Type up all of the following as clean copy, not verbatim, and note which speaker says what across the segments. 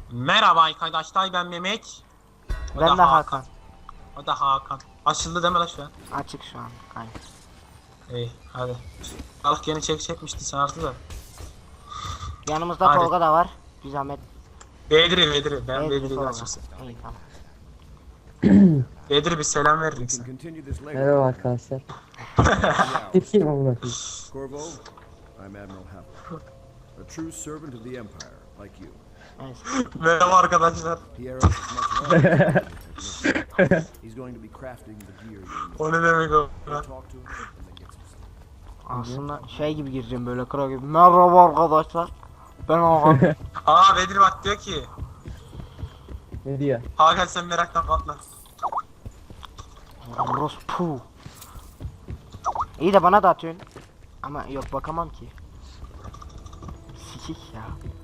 Speaker 1: Merhaba arkadaşlar, ben Mehmet. O
Speaker 2: Ben
Speaker 1: da
Speaker 2: de Hakan.
Speaker 1: O da Hakan. Açıldı deme lan şu an.
Speaker 2: Açık şu an. Aynen.
Speaker 1: İyi hadi. Allah yeni çekmişti sen artık da.
Speaker 2: Yanımızda
Speaker 1: Hadi.
Speaker 2: Tolga da var. Bir zahmet.
Speaker 1: Bedri. Ben
Speaker 2: Evet,
Speaker 1: Bedri'yi
Speaker 2: Tolga.
Speaker 1: açıksın.
Speaker 2: İyi tamam.
Speaker 1: Bedri bir selam verir
Speaker 3: We
Speaker 1: misin?
Speaker 3: can continue this later.
Speaker 4: Merhaba arkadaşlar. Kim amına koyayım?
Speaker 3: Corvo, I'm Admiral Happel, a true servant of the Empire, like you.
Speaker 2: Neyse.
Speaker 1: Merhaba arkadaşlar.
Speaker 3: Pierre is as much an artist. He's going to be crafting the gear you need.
Speaker 1: O ne demek o?
Speaker 3: Talk to him and then get some sleep.
Speaker 2: Aslında şey gibi gireceğim böyle kral gibi. Merhaba arkadaşlar. Ben Hakan.
Speaker 1: Aa Bedri bak diyor ki.
Speaker 4: Ne diyor?
Speaker 1: Hakan sen meraktan patla.
Speaker 2: Rospu. İyi de bana da atıyorsun. Ama yok bakamam ki. Sikik ya.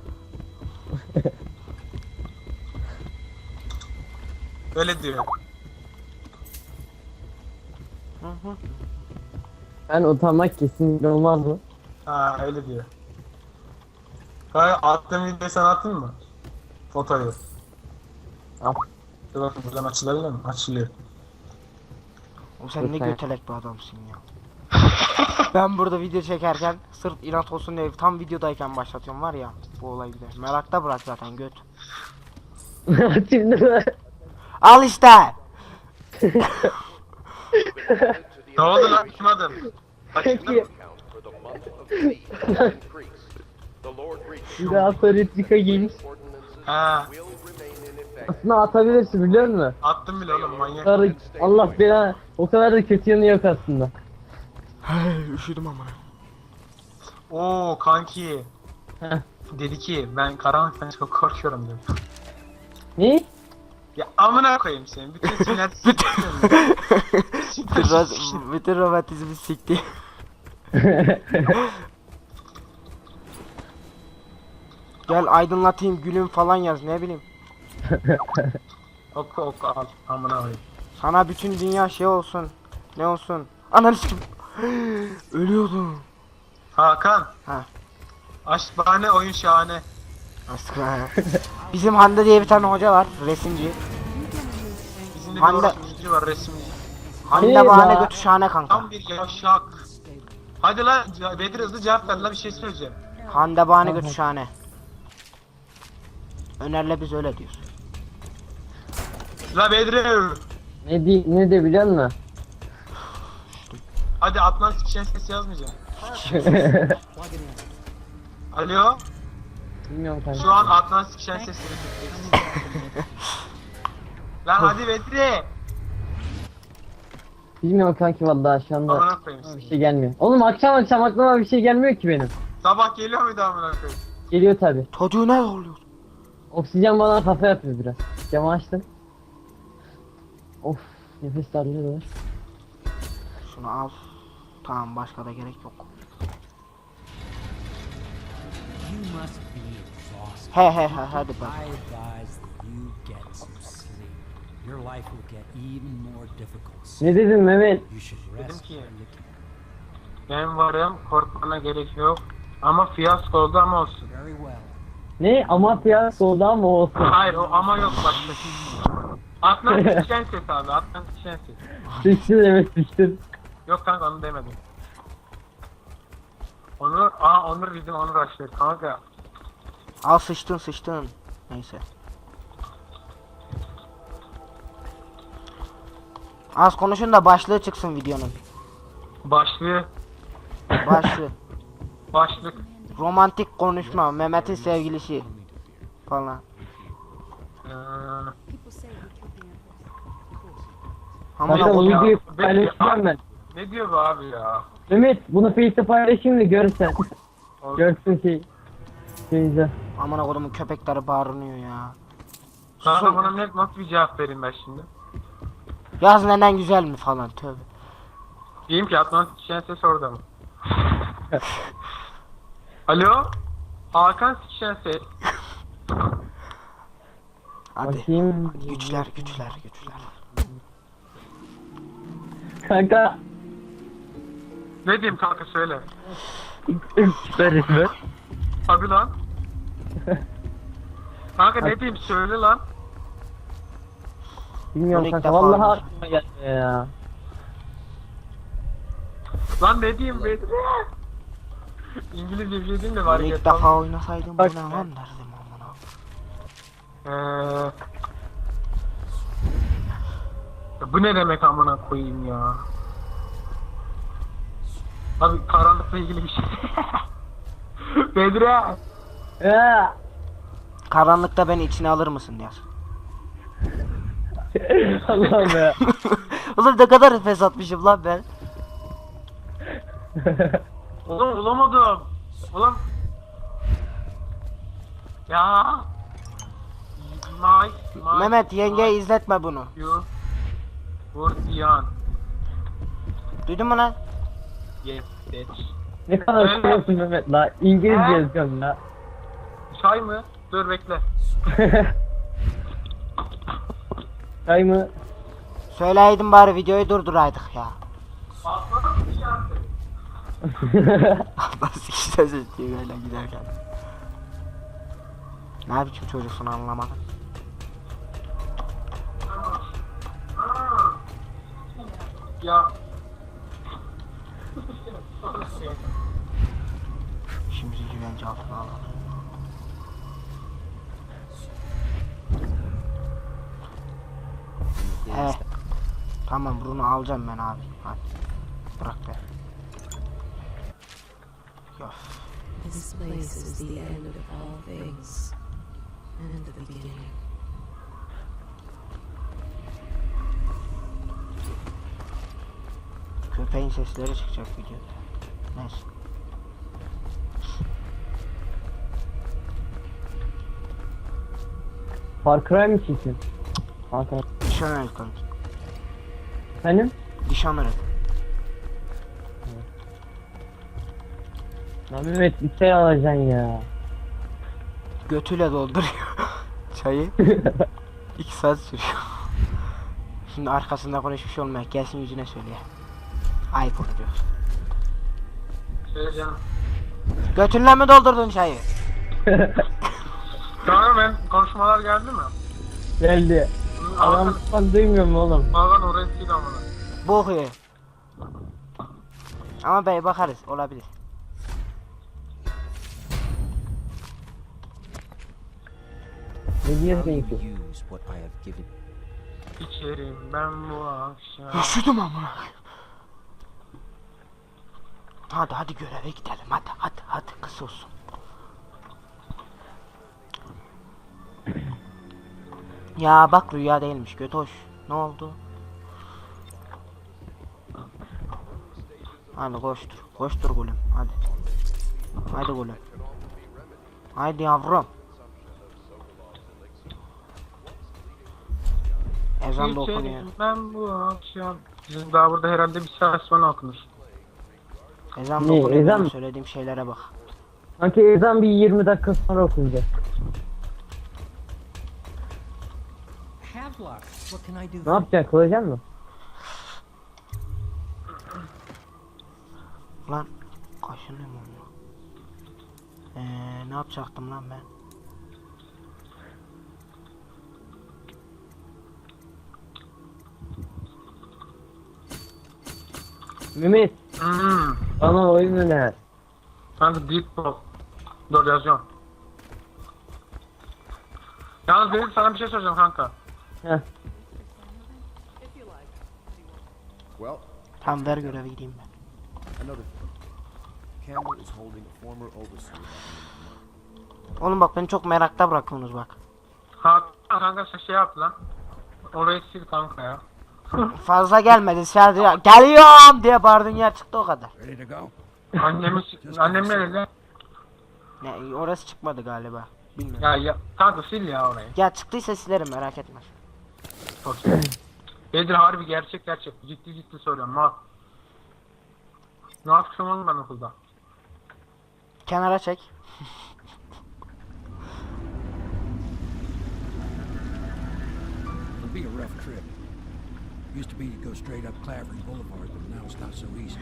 Speaker 1: Öyle diyor.
Speaker 2: Hı hı.
Speaker 4: Ben utanmak kesinlikle olmaz mı?
Speaker 1: Ha öyle diyor. Kanka attığım videoyu sen attın mı? Fotoyu.
Speaker 4: At.
Speaker 1: Dur bakın buradan açılabilir mi? Açılıyor.
Speaker 2: O sen ne
Speaker 4: Lütfen.
Speaker 2: götelek bir adamsın ya. Ben burada video çekerken sırf inat olsun diye tam videodayken başlatıyorum var ya bu olay gider. Merakta bırak zaten göt.
Speaker 4: Şimdi mi?
Speaker 2: Al işte.
Speaker 1: Ne oldu lan? Açmadım. Açıldı mı?
Speaker 4: Peki. Bir daha Soretica giymiş.
Speaker 1: Ha,
Speaker 4: Aslında atabilirsin biliyor musun?
Speaker 1: attım bile oğlum manyak.
Speaker 4: Sarı, Allah bela, o kadar da kötü yanı yok aslında.
Speaker 2: Üşüdüm amına.
Speaker 1: Oo kanki.
Speaker 4: Heh.
Speaker 1: Dedi ki ben karanlıktan çok korkuyorum dedi.
Speaker 4: Ne?
Speaker 1: Ya amına koyayım seni. Bütün sinirler
Speaker 2: Bütün romantizmi sikti. Gel aydınlatayım gülüm falan yaz ne bileyim.
Speaker 1: Oku al amına koyayım.
Speaker 2: Sana bütün dünya şey olsun. Ne olsun? Ananı sikim. Ölüyordum.
Speaker 1: Hakan.
Speaker 2: Ha.
Speaker 1: Aşk bahane oyun şahane.
Speaker 2: Aslında. Bizim Hande diye bir tane hoca var, resimci.
Speaker 1: Bizim de bir
Speaker 2: Hande-
Speaker 1: orospucu var resimci.
Speaker 2: Hande
Speaker 4: Hey
Speaker 2: bahane
Speaker 4: la.
Speaker 2: götü şahane kanka.
Speaker 1: Tam bir yavşak. Hadi lan Bedir hızlı cevap ver lan bir şey söyleyeceğim.
Speaker 2: Hande bahane
Speaker 4: Tamam.
Speaker 2: götü şahane. Önerle biz öyle diyoruz.
Speaker 1: La Bedir.
Speaker 4: Ne de biliyor musun?
Speaker 1: Hadi Atlan sikişen ses yazmayacağım. Alo.
Speaker 4: Bilmiyorum kanka.
Speaker 1: Şu an Atlan sikişen sesleri tutacağız. Lan hadi Bedri.
Speaker 4: Bilmiyorum kanki vallahi şu anda
Speaker 1: Amına koyayım
Speaker 4: bir
Speaker 1: seni.
Speaker 4: şey gelmiyor. Oğlum akşam aklıma bir şey gelmiyor ki benim.
Speaker 1: Sabah geliyor muydu amına koyayım?
Speaker 4: Geliyor tabi.
Speaker 2: Çocuğu ne oluyor?
Speaker 4: Oksijen bana kafa yapıyor biraz. Camı açtım. Of, nefes darlıyor.
Speaker 2: Şunu al. Tamam başka da gerek yok.
Speaker 5: You must be exhausted.
Speaker 2: He hadi bak.
Speaker 5: I advise that you get some sleep. Your life will get even more difficult soon.
Speaker 4: Ne dedin Mehmet?
Speaker 5: You should
Speaker 1: Dedim
Speaker 5: rest
Speaker 1: ki-
Speaker 5: where you can.
Speaker 1: Ben varım korkmana gerek yok. Ama fiyasko oldu ama olsun.
Speaker 5: Very well.
Speaker 4: Ne? Amatya solda mı olsun?
Speaker 1: Hayır o ama yok başka. Atlan sikişen ses abi Atlan sikişen ses.
Speaker 4: Sıçtın evet sıçtın.
Speaker 1: Yok kanka onu demedim. Onur bizim Onur açıyor kanka.
Speaker 2: Al sıçtın. Neyse. Az konuşun da başlığı çıksın videonun.
Speaker 1: Başlığı, başlık.
Speaker 2: Romantik konuşma. Mehmet'in sevgilisi. Falan. Amına
Speaker 4: Kanka bu
Speaker 2: koyayım.
Speaker 4: videoyu
Speaker 1: Ben-
Speaker 4: paylaşacağım ben.
Speaker 1: Ne diyor bu abi ya?
Speaker 4: Mehmet bunu Face'te paylaşayım mı görsen. Görsün şeyinize.
Speaker 2: Amına kodumun köpekleri bağırınıyor ya.
Speaker 1: Kanka
Speaker 2: Susun.
Speaker 1: buna nasıl bir cevap vereyim ben şimdi?
Speaker 2: Yaz neden güzel mi falan tövbe.
Speaker 1: Diyeyim ki Atlan sikişen ses orada mı? Alo? Hakan sikişen ses.
Speaker 2: Hadi.
Speaker 4: Bakayım.
Speaker 2: Güçler.
Speaker 4: Kanka.
Speaker 1: Ne diyeyim kanka söyle.
Speaker 4: Süper resmi.
Speaker 1: Tabi lan. Kanka ne diyeyim söyle lan.
Speaker 4: Bilmiyorum
Speaker 2: Bunu ilk
Speaker 4: kanka
Speaker 2: defa
Speaker 4: vallahi
Speaker 2: oynuyorum.
Speaker 4: aklıma gelmiyor ya.
Speaker 1: Lan ne diyeyim Bedri? İngilizce bir şey diyeyim de var
Speaker 2: Bunu
Speaker 1: ya.
Speaker 2: ilk defa oynasaydım bu
Speaker 4: Bak-
Speaker 2: ne lan derdim amına.
Speaker 1: Bu ne demek amına koyayım ya. Abi karanlıkla ilgili bir şey. Bedri.
Speaker 4: Ya.
Speaker 2: Karanlıkta beni içine alır mısın diyor.
Speaker 4: Allah'ım ya.
Speaker 2: Oğlum ne kadar nefes atmışım lan ben.
Speaker 1: Oğlum bulamadım. Oğlum. Ya.
Speaker 2: Mehmet yengeye izletme bunu.
Speaker 1: You. Vurdiyan.
Speaker 2: Duydun mu lan?
Speaker 1: Yes, bitch.
Speaker 4: Ne kadar seviyorsun Mehmet la. İngilizce yazıyorum la.
Speaker 1: Çay mı? Dur bekle.
Speaker 4: Çay mı?
Speaker 2: Söyleydin bari videoyu durduraydık ya. Nasıl işte diye böyle giderken. Ne biçim çocuksun anlamadım.
Speaker 1: Ya.
Speaker 2: Şimdi güvence altına alalım. He. Tamam bunu alacağım ben abi. Hadi. Bırak be. Yok.
Speaker 6: This place is the end of all things, and the beginning.
Speaker 2: Köpeğin sesleri çıkacak videoda. Neyse.
Speaker 4: Far Cry mı çekiyorsun? Kanka.
Speaker 2: Dishonored kanka.
Speaker 4: Efendim?
Speaker 2: Dishonored.
Speaker 4: Lan Mehmet bir şey alacaksın ya.
Speaker 2: Götüyle dolduruyor çayı. 2 saat sürüyor. Şimdi arkasında konuşmuş olmayak gelsin yüzüne söyleye. Ayıp olur diyor.
Speaker 1: Söyle canım.
Speaker 2: Götünle mi doldurdun çayı?
Speaker 1: Tamam ben konuşmalar geldi mi?
Speaker 4: Geldi. Adam bak duymuyor mu oğlum?
Speaker 1: Bazen oraya sil amına.
Speaker 2: Bok ye. Ama bey bakarız olabilir.
Speaker 4: Ne diyorsun
Speaker 5: You
Speaker 4: ki?
Speaker 5: use what I have given.
Speaker 1: İçerim ben bu akşam.
Speaker 2: Üşüdüm amına. Hadi göreve gidelim hadi kısa olsun. Ya bak rüya değilmiş kötü hoş. Ne oldu? Hadi koştur gülüm hadi. Hadi gülüm. Haydi yavrum. Ezan da okunuyor.
Speaker 1: İçerim ben bu akşam. Bizim daha burada herhalde bir saat sonra okunur.
Speaker 2: Ezan da
Speaker 4: Ne,
Speaker 2: okunuyor.
Speaker 4: ezan
Speaker 2: benim
Speaker 4: mı?
Speaker 2: söylediğim şeylere bak.
Speaker 4: Sanki ezan bir 20 dakika sonra okunacak.
Speaker 5: Havelock, what can I do
Speaker 4: Ne
Speaker 5: for
Speaker 4: yapacaksın? Kılacaksın mı?
Speaker 2: Lan kaşınıyor mu onu? Ne yapacaktım lan ben?
Speaker 4: Mehmet bana oyun öner.
Speaker 1: Kanka Deep Ball. Dur yazıyorum. Yalnız benim sana bir şey soracağım kanka.
Speaker 4: Heh.
Speaker 3: Well,
Speaker 2: Tam ver görevi gideyim ben.
Speaker 3: another thing. Campbell is holding a former overseer.
Speaker 2: Oğlum bak beni çok merakta bırakıyorsunuz bak.
Speaker 1: Kanka sen şey yap lan. Orayı sil kanka ya.
Speaker 2: Fazla gelmedi sadece geliyorum diye bağırdın yer çıktı o kadar.
Speaker 3: Ready to go?
Speaker 1: Annem ne dedi?
Speaker 2: Ne orası çıkmadı galiba. Bilmiyorum.
Speaker 1: Ya kanka sil ya orayı.
Speaker 2: Ya çıktıysa silerim merak etme.
Speaker 1: Çok iyi. Bedir harbi gerçek. Ciddi söylüyorum. Ne yapacağım oğlum ben okulda?
Speaker 2: Kenara çek.
Speaker 7: It'll be a rough trip. Used to be to go straight up Clavering Boulevard, but now it's not so easy.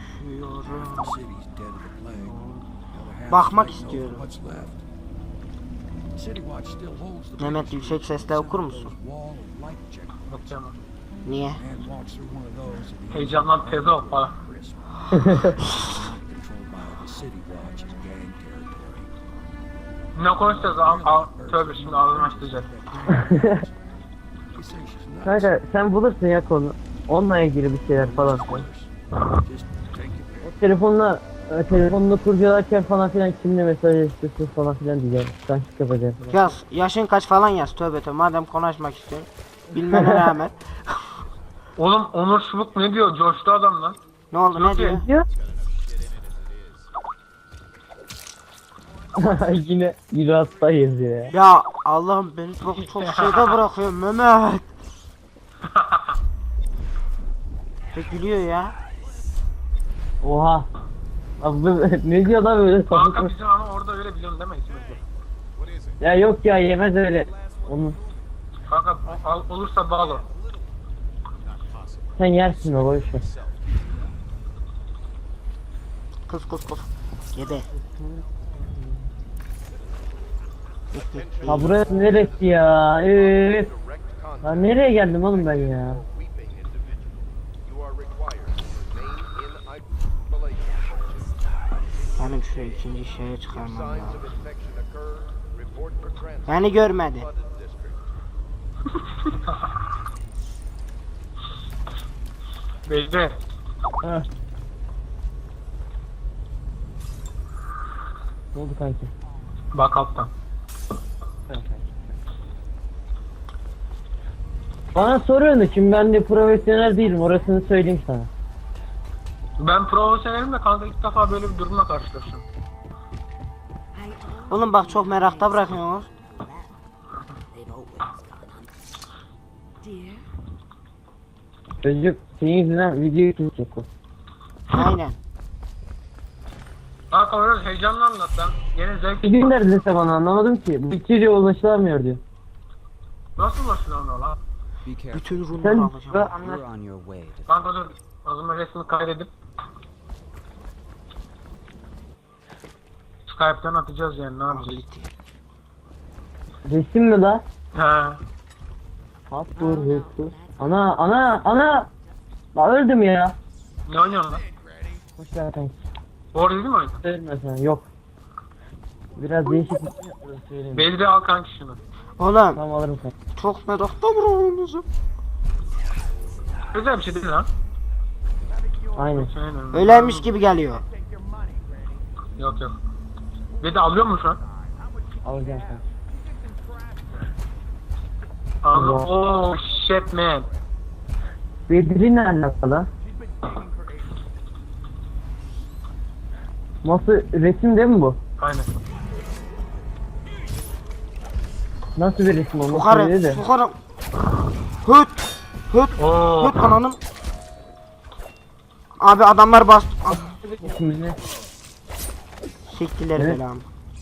Speaker 7: The city's dead of the plague. The other half's
Speaker 2: Bakmak
Speaker 7: fighting over
Speaker 2: istiyorum.
Speaker 7: what's left. City Watch still holds the
Speaker 2: Mehmet,
Speaker 7: biggest
Speaker 2: yüksek sesle okur musun?
Speaker 7: wall of light checkpoints.
Speaker 1: Yok canım.
Speaker 2: Niye?
Speaker 7: Man walks through one of those and he
Speaker 1: Heyecandan teze ol falan.
Speaker 7: crisp. Controlled by the City Watch is gang territory.
Speaker 1: Ne konuşacağız? Tövbe şimdi ağzını açtıracak.
Speaker 7: He says she's nuts.
Speaker 4: Kanka sen bulursun ya konu. Onunla ilgili bir şeyler falan.
Speaker 7: Just take it.
Speaker 4: O telefonla kurcalarken falan filan kimle mesajlaştırsın falan filan diyeceğim. Kanşık yapacağım falan.
Speaker 2: Yaz. Yaşın kaç falan yaz. Tövbe tövbe. Madem konuşmak istiyorsun. Bilmene rağmen.
Speaker 1: Oğlum Onur Çubuk ne diyor? Coştu adam lan.
Speaker 2: Ne oldu, ne diyor?
Speaker 4: Diyor. Yine hastayız ya.
Speaker 2: Ya Allah'ım, beni çok şeyde bırakıyor Mehmet. Pek gülüyor ya.
Speaker 4: Oha. Abi ne diyor lan böyle
Speaker 1: Kanka
Speaker 4: sapık?
Speaker 1: bizim ama orada öyle biliyorsun değil mi ikimiz de?
Speaker 4: Ya yok ya yemez öyle. Onu
Speaker 1: Kanka olursa bağlı.
Speaker 4: sen yersin o boş ver.
Speaker 2: Kız. Yedi.
Speaker 4: Ha burası neresi ya? Evet. Ha nereye geldim oğlum ben ya?
Speaker 2: Benim şuraya ikinci şeye çıkarmam lazım. Beni görmedi.
Speaker 1: Beyde.
Speaker 4: Ha. Ne oldu kanki?
Speaker 1: Bak alttan.
Speaker 4: Bana soruyorsun şimdi ben de profesyonel değilim orasını söyleyeyim sana.
Speaker 1: Ben profesyonelim de kanka ilk defa böyle bir durumla karşılaştım.
Speaker 2: Oğlum bak, çok merakta bırakıyorsunuz.
Speaker 6: Dear,
Speaker 4: Çocuk senin yüzünden videoyu kesecek o.
Speaker 2: Aynen.
Speaker 1: Kanka biraz heyecanla anlat lan. Yeni zevk.
Speaker 4: Bir gün neredeyse bana anlamadım ki. Bu içeriye ulaşılamıyor diyor.
Speaker 1: Nasıl ulaşılıyor ona lan?
Speaker 5: Be careful.
Speaker 2: Bütün
Speaker 4: Sen
Speaker 2: runları alacağım.
Speaker 4: anlat.
Speaker 5: You're on your way to
Speaker 1: Kanka dur. O zaman resmini kaydedip Skype'den atacağız yani, ne yapacağız?
Speaker 2: Ability.
Speaker 4: Resim mi la?
Speaker 1: He.
Speaker 4: Hapur hapur. Ana. La öldüm ya.
Speaker 1: Ne oynuyorsun lan?
Speaker 4: Hoş ver kanki.
Speaker 1: Doğru değil mi oyun?
Speaker 4: Söyleme sen yok. Biraz değişik bir şey yapıyorum söyleyeyim.
Speaker 1: Belli al kanki şunu.
Speaker 2: Oğlum
Speaker 4: Tamam alırım kanki.
Speaker 2: çok merakta bırakıyorsunuz.
Speaker 1: Güzel bir şey değil lan.
Speaker 4: Aynen.
Speaker 1: Aynen.
Speaker 2: Öyleymiş gibi geliyor.
Speaker 1: Yok. Bir de alıyor mu şu an?
Speaker 4: Alacağım kanki.
Speaker 1: Aldım. Oh shit man.
Speaker 4: Bedri ne alakalı? Nasıl resim değil mi bu?
Speaker 1: Aynen.
Speaker 4: Nasıl bir resim o? Nasıl
Speaker 2: Sokarım,
Speaker 4: öyle de?
Speaker 2: sokarım. Hıt,
Speaker 1: Oo.
Speaker 2: hıt ananın. Abi adamlar bastı. Ah,
Speaker 4: Resim ne?
Speaker 2: siktiler
Speaker 4: Evet.
Speaker 2: belamı.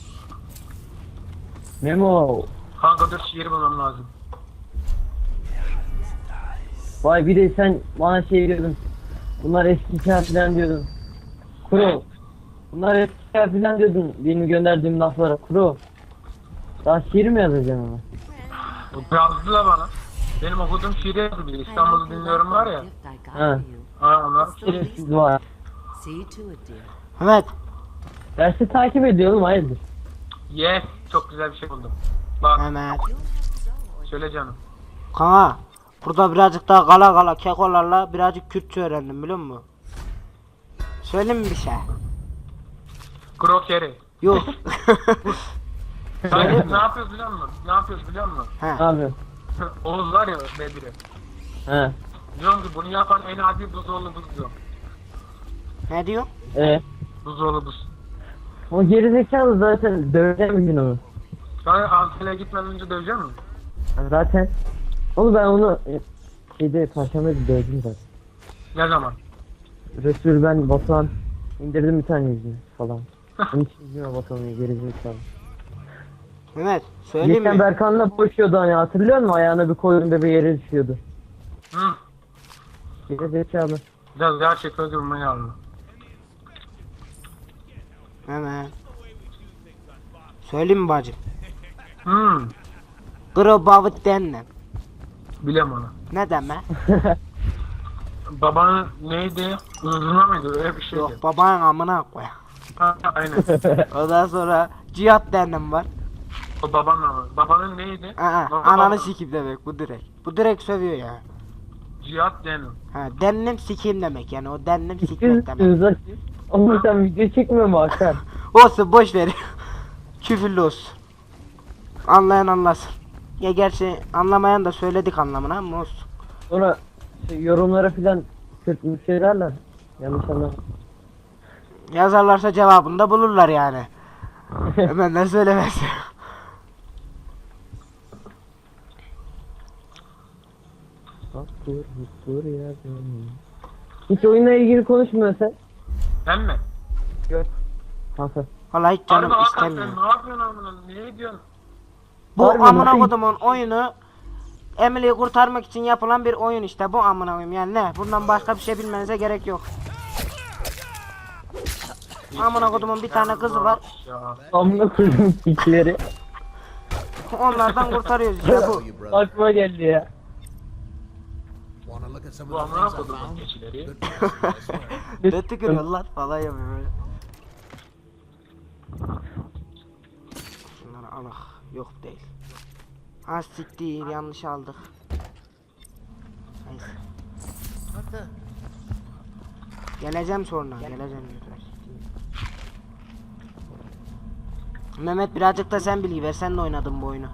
Speaker 4: Memo.
Speaker 1: Kanka dur şiir bulmam lazım.
Speaker 4: Vay bir de sen bana şey diyordun. Bunlar eski hikaye falan diyordun. Kuro. Bunlar eski hikaye falan diyordun. Benim gönderdiğim laflara. Kuro. Daha şiir mi yazacaksın ama?
Speaker 1: Yazdılar bana. Benim okuduğum şiiri yazdı biri. İstanbul'u dinliyorum var ya.
Speaker 6: gift I got
Speaker 4: Ha.
Speaker 6: for you.
Speaker 1: Ha onlar.
Speaker 4: Şiirsiz var.
Speaker 6: See to it, dear.
Speaker 2: Evet.
Speaker 4: Dersi takip ediyorum hayırdır?
Speaker 1: Yes. Çok güzel bir şey buldum. Bak
Speaker 2: Mehmet.
Speaker 1: söyle canım.
Speaker 2: Kana. Burada birazcık daha kala kekolarla birazcık Kürtçe öğrendim, biliyor musun? Söyleyeyim mi bir şey?
Speaker 1: Krokeri.
Speaker 2: Yok.
Speaker 1: Sen ne yapıyoruz biliyor musun? Ne yapıyoruz biliyor musun?
Speaker 4: Ne
Speaker 2: He.
Speaker 4: yapıyorsun?
Speaker 1: Oğuz var ya Bedri.
Speaker 4: He.
Speaker 1: Diyorum ki bunu yapan en adi buzoğlu buz diyor.
Speaker 2: Ne diyor?
Speaker 1: Buzoğlu buz.
Speaker 4: O gerizekalı zaten döveceğim bir gün onu.
Speaker 1: Sen Antalya'ya gitmeden önce dövecek misin?
Speaker 4: Zaten. Onu ben onu şeyde Perşembe'de dövdüm zaten.
Speaker 1: Ne zaman?
Speaker 4: Resul ben Batuhan indirdim bir tane yüzünü falan. Onun için yüzüme Batuhan'ı gerizekalı.
Speaker 2: Mehmet söyleyeyim
Speaker 4: Geçen
Speaker 2: mi?
Speaker 4: Berkan'la boşuyordu hani hatırlıyor musun? Ayağına bir koydum bebe yere düşüyordu.
Speaker 1: Hı.
Speaker 4: Gerizekalı.
Speaker 1: Biraz gerçek öldürmeyi aldı.
Speaker 2: Mehmet. Söyleyeyim mi bacım? Grobavut denle.
Speaker 1: Bilem onu.
Speaker 2: Ne deme?
Speaker 1: Babanın neydi? Uzuna mıydı? Öyle bir şeydi.
Speaker 2: Yok babanın amına koy.
Speaker 1: Ha, aynen.
Speaker 2: Ondan sonra cihat dennem var.
Speaker 1: O babanın ama. Babanın neydi?
Speaker 2: Ananı sikip demek bu direkt. Bu direkt sövüyor ya.
Speaker 1: Cihat Denim.
Speaker 2: Ha dennem sikeyim demek yani o dennem sikmek demek.
Speaker 4: Üzüldünüz. Oğlum sen video çekmiyor mu Hakan?
Speaker 2: Olsun boş ver. Küfürlü olsun. Anlayan anlasın. Ya gerçi anlamayan da söyledik anlamına ama olsun.
Speaker 4: Sonra yorumlara filan kötü bir şey derler. Yanlış anlama.
Speaker 2: Yazarlarsa cevabını da bulurlar yani. Hemen de söylemez.
Speaker 4: Bak dur ya. Hiç oyunla ilgili konuşmuyor sen.
Speaker 1: Ben mi?
Speaker 4: Kanka.
Speaker 2: Vallahi hiç canım
Speaker 1: Harbi Hakan
Speaker 2: istemiyor.
Speaker 1: sen ne yapıyorsun amına? Niye diyorsun?
Speaker 2: Bu
Speaker 4: Harbi
Speaker 2: amına
Speaker 4: nasıl-
Speaker 2: kodumun oyunu Emily'yi kurtarmak için yapılan bir oyun işte bu amına koyayım yani ne? Bundan başka bir şey bilmenize gerek yok. Amına kodumun bir tane kızı var.
Speaker 1: Ya.
Speaker 4: Amına koydum pikleri.
Speaker 2: Onlardan kurtarıyoruz işte bu.
Speaker 3: You, brother.
Speaker 4: Aklıma geldi ya.
Speaker 3: Want to look at some
Speaker 1: Bu
Speaker 3: of the
Speaker 1: amına
Speaker 3: things I
Speaker 1: kodumun
Speaker 3: found?
Speaker 1: keçileri.
Speaker 3: Good places, I swear.
Speaker 2: Ne tükürüyorlar falan yapıyor böyle. Şunları alak. Yok değil. Az siktir yanlış aldık. Neyse. Geleceğim sonra geleceğim. Mehmet birazcık da sen bilgi ver sen de oynadın bu oyunu.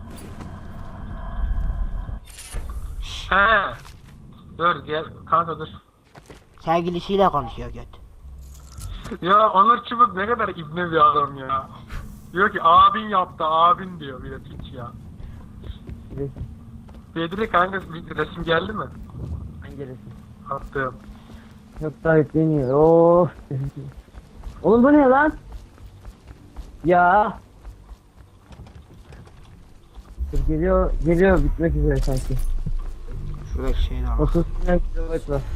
Speaker 1: He. Dur gel kanka dur.
Speaker 2: Sevgilisiyle konuşuyor göt.
Speaker 1: Ya Onur Çubuk ne kadar ibne bir adam ya. Diyor ki abin yaptı abin diyor bir de piç ya. Bedri kanka bir resim geldi mi?
Speaker 4: Hangi resim?
Speaker 1: Attım.
Speaker 4: Yok daha yükleniyor. Oh. Oğlum bu ne lan? Ya. Dur, geliyor bitmek üzere sanki.
Speaker 2: Şuradaki şeyi al.
Speaker 4: 30 kilometre var.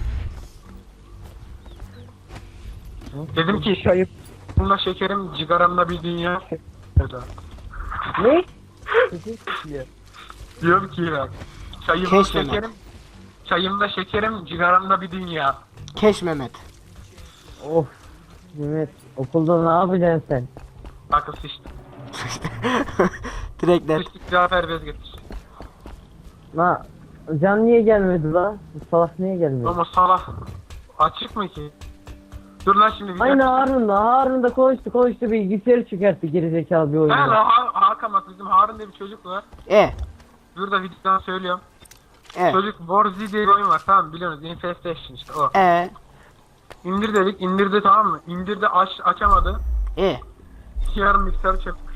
Speaker 1: Dedim ki
Speaker 4: Şayıp.
Speaker 1: bununla şekerim cigaramda bir dünya. O da.
Speaker 4: Ne? Sesin çıkıyor.
Speaker 1: Diyorum ki ya. Çayımda
Speaker 2: Keş Mehmet.
Speaker 1: şekerim. Çayımda şekerim cigaramda bir dünya.
Speaker 2: Keş Mehmet.
Speaker 4: Of. Mehmet okulda ne yapacaksın sen?
Speaker 1: Akıl sıçtı.
Speaker 2: Direkt net.
Speaker 1: Sıçtık Cafer bez getir.
Speaker 4: La Can niye gelmedi la? Bu salak niye gelmedi?
Speaker 1: Ama salak. Açık mı ki? Dur lan şimdi.
Speaker 4: Aynı Harun da konuştu bilgisayarı çıkarttı gerizekalı bir
Speaker 1: He
Speaker 4: oyunda.
Speaker 1: lan Hakan bak bizim Harun diye bir çocuk var. Burada videodan söylüyorum. Çocuk Warzy diye bir oyun var tamam mı? Biliyorsunuz Infestation işte o. İndir dedik indirdi tamam mı? İndirdi açamadı. Yarım mikser çökmüş.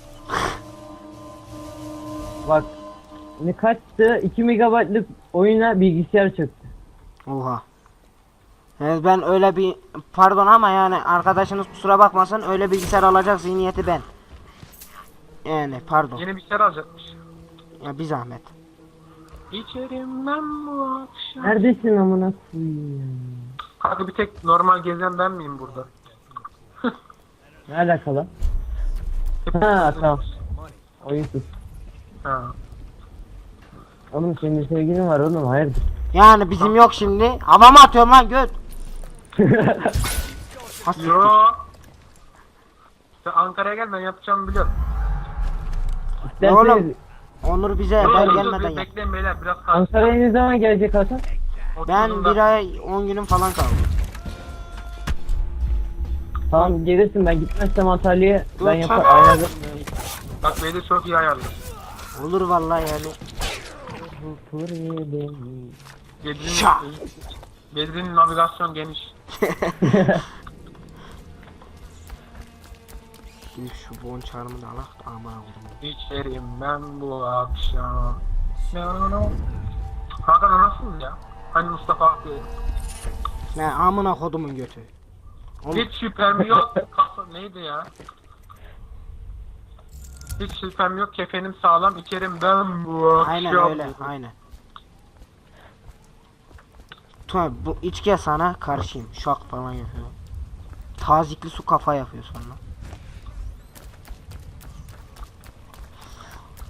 Speaker 4: Bak ne kaçtı? 2 megabaytlık oyuna bilgisayar çöktü.
Speaker 2: Oha. Yani ben öyle bir pardon ama yani arkadaşınız kusura bakmasın öyle bilgisayar alacak zihniyeti ben. Yani pardon.
Speaker 1: Yeni bilgisayar alacakmış.
Speaker 2: Ya bir zahmet.
Speaker 1: İçerim ben bu akşam.
Speaker 4: Neredesin amına koyayım?
Speaker 1: Kanka bir tek normal gezen ben miyim burada?
Speaker 4: Ne alakalı?
Speaker 1: Hep
Speaker 4: Ha tamam. Oyunsuz.
Speaker 1: Ha.
Speaker 4: Oğlum senin sevgilin var oğlum hayırdır?
Speaker 2: Yani bizim yok şimdi. Hava mı atıyorum lan göt?
Speaker 1: Yo. Sen Ankara'ya gel ben yapacağımı biliyorum.
Speaker 2: Ne oğlum?
Speaker 4: İsterseniz
Speaker 2: Onur bize
Speaker 1: Yo,
Speaker 2: ben
Speaker 1: dur,
Speaker 2: gelmeden
Speaker 1: dur,
Speaker 2: yap.
Speaker 1: bekleyin beyler biraz kalsın.
Speaker 4: Ankara'ya ne zaman gelecek Hasan?
Speaker 2: Ben bir ay 10 günüm falan kaldı.
Speaker 4: Tamam gelirsin ben gitmezsem Antalya'ya
Speaker 2: Dur,
Speaker 4: ben yapar
Speaker 2: tamam.
Speaker 4: ayarlarım.
Speaker 1: Bak beni çok iyi ayarlı.
Speaker 2: Olur vallahi yani. Şah.
Speaker 1: Bedri'nin navigasyon geniş.
Speaker 2: Şimdi şu bon çarmını alak da aman oğlum.
Speaker 1: İçerim ben bu akşam. Hakan o nasıl ya? Hani Mustafa Akgül.
Speaker 2: Ne amına kodumun götü. Oğlum,
Speaker 1: Hiç şüphem yok. Neydi ya? Hiç şüphem yok. Kefenim sağlam. İçerim ben bu akşam.
Speaker 2: aynen öyle aynen. Tabi bu içkiye sana karşıyım. Şok falan yapıyor. Tazikli su kafa yapıyor sonra.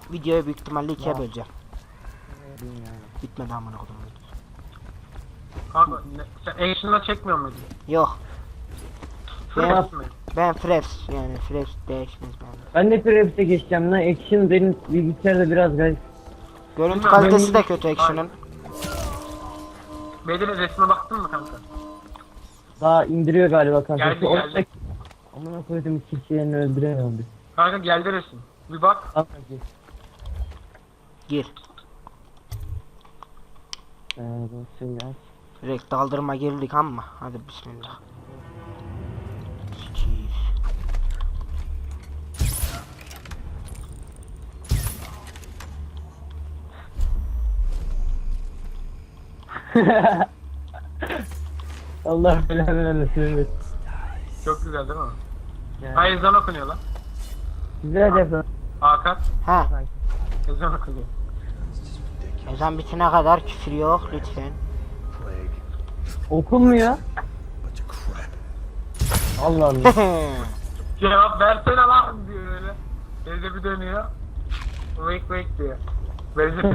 Speaker 2: videoyu büyük ihtimalle ikiye böleceğim. Bitmedi amına kodum.
Speaker 1: Kanka sen action'la çekmiyor muydun?
Speaker 2: Yok.
Speaker 1: Fresh mi?
Speaker 2: Ben fresh yani fresh değişmez bende.
Speaker 4: Ben de Preps'e geçeceğim lan. Action benim bilgisayarda biraz garip.
Speaker 2: Görüntü
Speaker 1: Bilmiyorum,
Speaker 2: kalitesi de
Speaker 1: benim-
Speaker 2: kötü Action'ın.
Speaker 1: Bedir'in resmine baktın mı kanka?
Speaker 4: Daha indiriyor galiba kanka.
Speaker 1: Geldi,
Speaker 4: Şu
Speaker 1: geldi.
Speaker 4: ortak- Amına koydum kişilerini öldüremiyorum bir.
Speaker 1: Kanka geldi resim. Bir bak.
Speaker 4: Kanka gir.
Speaker 2: Gir.
Speaker 4: Dosayı aç.
Speaker 2: Direkt daldırma girdik ama. Hadi bismillah. Sikiyim.
Speaker 4: Allah belanı vermesin. Evet.
Speaker 1: Çok güzel değil mi?
Speaker 4: Yani.
Speaker 1: Ha ezan okunuyor lan.
Speaker 4: Güzel yapın.
Speaker 1: Hakan.
Speaker 2: Ha,
Speaker 1: Ezan okunuyor.
Speaker 2: ezan bitene kadar küfür yok lütfen.
Speaker 4: Okunmuyor. Allah Allah.
Speaker 1: Cevap versene lan diyor öyle. Teyze bir dönüyor. Wake wake diyor. Benziyor.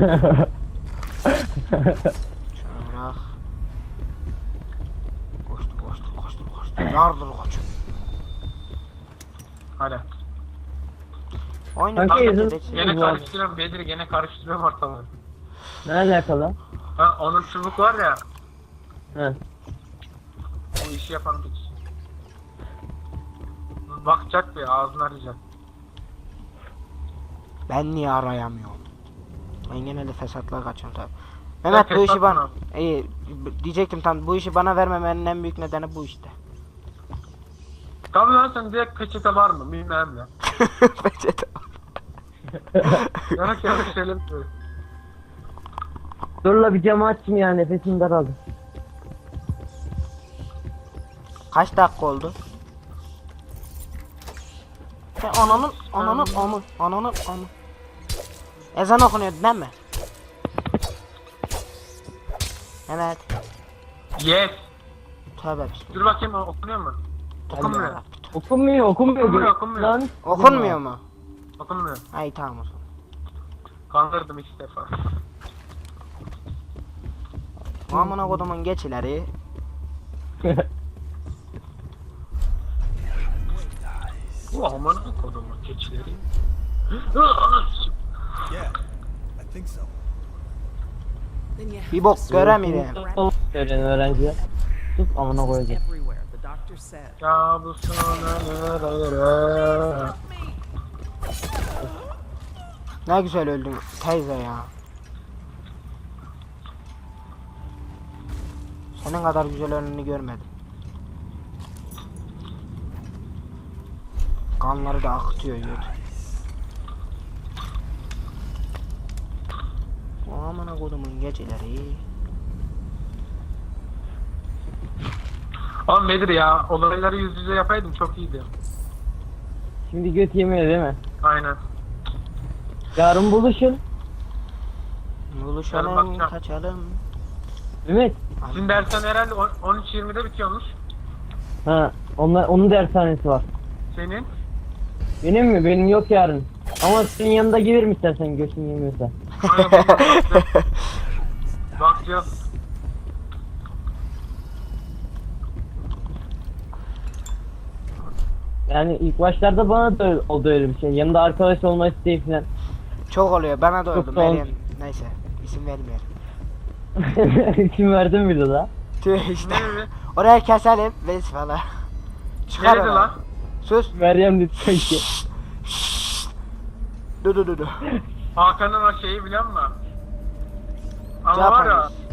Speaker 2: Şöyle. Koştu. Yardır koçum.
Speaker 1: Hadi.
Speaker 2: Oyunu
Speaker 4: Kanka,
Speaker 2: bir
Speaker 4: yazın-
Speaker 2: de-
Speaker 1: Gene
Speaker 4: Bu arada.
Speaker 1: karıştırıyorum Bedir'i, gene karıştırıyorum ortalığı.
Speaker 4: Ne alakalı?
Speaker 1: Ha onun çubuk var ya.
Speaker 4: He.
Speaker 1: O işi yapan bir kişi. Bakacak bir ağzını arayacak.
Speaker 2: Ben niye arayamıyorum? Ben genelde fesatlığa kaçıyorum tabi. Mehmet bu işi
Speaker 1: fesat
Speaker 2: bana...
Speaker 1: mı?
Speaker 2: İyi diyecektim tam bu işi bana vermemenin en büyük nedeni bu işte.
Speaker 1: Tabii lan sen direkt peçete var mı bilmem ne.
Speaker 2: Peçete.
Speaker 1: Yanlış söylemiyorum.
Speaker 4: Dur la bir camı açayım ya, nefesim daraldı.
Speaker 2: Kaç dakika oldu? Sen ananın. Ezan okunuyordu değil mi? Evet.
Speaker 1: Yes.
Speaker 2: Tövbe bismillah.
Speaker 1: Dur bakayım okunuyor mu? Okunmuyor.
Speaker 4: Okunmuyor.
Speaker 1: Okunmuyor.
Speaker 4: Lan.
Speaker 2: Okunmuyor mu?
Speaker 1: Okunmuyor.
Speaker 2: Ay tamam o zaman.
Speaker 1: Kandırdım 2 defa.
Speaker 2: Amına kodumun geç ileri.
Speaker 1: Bu aman kodumun keçileri.
Speaker 3: Yeah, I think so.
Speaker 6: Then you have
Speaker 2: Bir bok göremiyorum.
Speaker 4: Öğren öğrenciler. Sus amına koyacağım.
Speaker 6: everywhere, the doctor said.
Speaker 1: Kabusun ölür.
Speaker 2: Ne güzel öldün teyze ya. Senin kadar güzel önünü görmedim. Kanları da akıtıyor yut. Amına kodumun geceleri.
Speaker 1: Oğlum Bedir ya, olayları yüz yüze yapaydım çok iyiydi.
Speaker 4: Şimdi göt yemiyor değil mi?
Speaker 1: Aynen.
Speaker 4: Yarın buluşun.
Speaker 1: Yarın
Speaker 2: Buluşalım,
Speaker 1: bakacağım.
Speaker 2: kaçalım.
Speaker 4: Ümit.
Speaker 1: Sizin dersen herhalde 13.20'de bitiyormuş.
Speaker 4: Ha, onun dershanesi var.
Speaker 1: Senin.
Speaker 4: Benim mi? Benim yok yarın. Ama senin yanında gelirim istersen götün yemiyorsa.
Speaker 1: Aynen, bakacağım. Bakacağım.
Speaker 4: Yani ilk başlarda bana da oldu öyle bir şey. Yanında arkadaş olma isteği falan.
Speaker 2: Çok oluyor bana da
Speaker 4: Çok
Speaker 2: oldu
Speaker 4: sağ ol.
Speaker 2: Meryem. Neyse isim vermeyelim.
Speaker 4: İsim verdim bir de daha.
Speaker 2: Tüh işte.
Speaker 1: Nerede?
Speaker 2: Oraya keselim ve falan. Çıkar
Speaker 1: Nerede
Speaker 2: oraya.
Speaker 1: lan?
Speaker 2: Sus.
Speaker 4: Meryem dedi sanki.
Speaker 2: Dur.
Speaker 1: Hakan'ın o şeyi biliyor musun? Ama var ya,
Speaker 2: Japanese.